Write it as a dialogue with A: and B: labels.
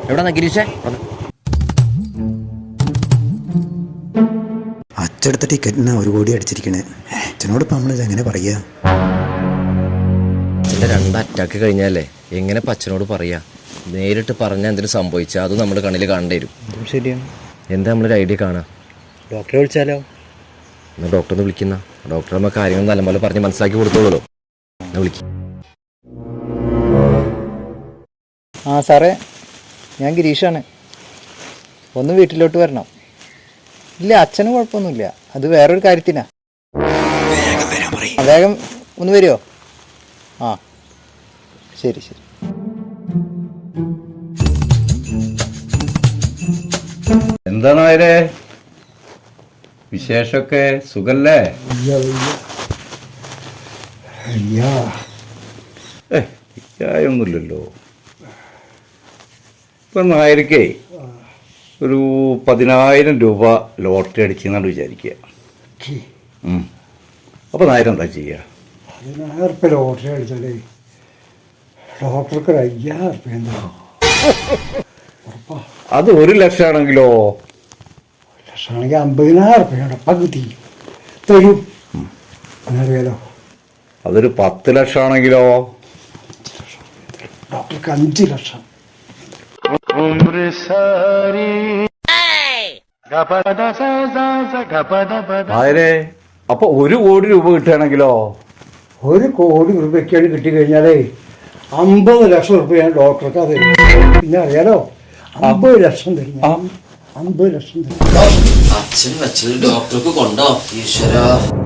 A: എവിടെ ഗിരീഷേ?
B: അച്ചടുത്ത ടിക്കറ്റിന് 1 കോടി അടിച്ചിരിക്കണേ. അച്ഛനോട് ഇപ്പം നമ്മളിത് എങ്ങനെ പറയാ?
A: അച്ഛൻ്റെ 2 അറ്റാക്ക് കഴിഞ്ഞാലേ എങ്ങനെ അച്ഛനോട് പറയാ? നേരിട്ട് പറഞ്ഞാൽ എന്തിനു സംഭവിച്ചാൽ അത് നമ്മുടെ കണ്ണിൽ കാണേണ്ടി വരും.
C: ശരിയാണ്.
A: എന്താ നമ്മളൊരു ഐഡിയ കാണാം.
C: ഡോക്ടറെ വിളിച്ചാലോ?
A: എന്നാൽ ഡോക്ടറിനെ വിളിക്കുന്ന. ഡോക്ടർ നമ്മൾ കാര്യങ്ങൾ നല്ലപോലെ പറഞ്ഞ് മനസ്സിലാക്കി കൊടുത്തോളൂ. എന്നാ വിളിക്കും.
C: ആ സാറേ, ഞാൻ ഗിരീഷാണ്. ഒന്ന് വീട്ടിലോട്ട് വരണം. ഇല്ല, അച്ഛന് കുഴപ്പമൊന്നുമില്ല. അത് വേറൊരു കാര്യത്തിനാ. വേഗം ഒന്ന് വരുമോ? ആ ശരി ശരി.
D: എന്താണ് അവരെ വിശേഷമൊക്കെ? സുഖല്ലേ? ഒന്നുമില്ലല്ലോ. ഇപ്പം നായർക്കേ ഒരു 10,000 രൂപ ലോട്ടറി അടിച്ചെന്നാണ് വിചാരിക്കുക. അപ്പോൾ നായർ എന്താ ചെയ്യുക?
E: 10,000 റുപ്യ ലോട്ടറി അടിച്ചാലേ ഡോക്ടർക്ക് 5,000 റുപ്യ എന്താ?
D: അത് 1 ലക്ഷം ആണെങ്കിലോ?
E: 1 ലക്ഷമാണെങ്കിൽ 50,000 റുപ്യ പകുതി തരും. അറിയാലോ.
D: അതൊരു 10 ലക്ഷം ആണെങ്കിലോ?
E: ഡോക്ടർക്ക് 5 ലക്ഷം.
D: നായരെ, അപ്പൊ 1 കോടി രൂപ കിട്ടുകയാണെങ്കിലോ?
E: 1 കോടി രൂപയ്ക്കാണ് കിട്ടിക്കഴിഞ്ഞാലേ 50 ലക്ഷം റുപ്യ ഞാൻ ഡോക്ടർക്ക് അത് തരും. പിന്നെ അറിയാലോ, 50 ലക്ഷം തരും. 50 ലക്ഷം തരും.
A: അച്ഛൻ വെച്ചത് ഡോക്ടർക്ക് കൊണ്ടോ? ഈശ്വരാ.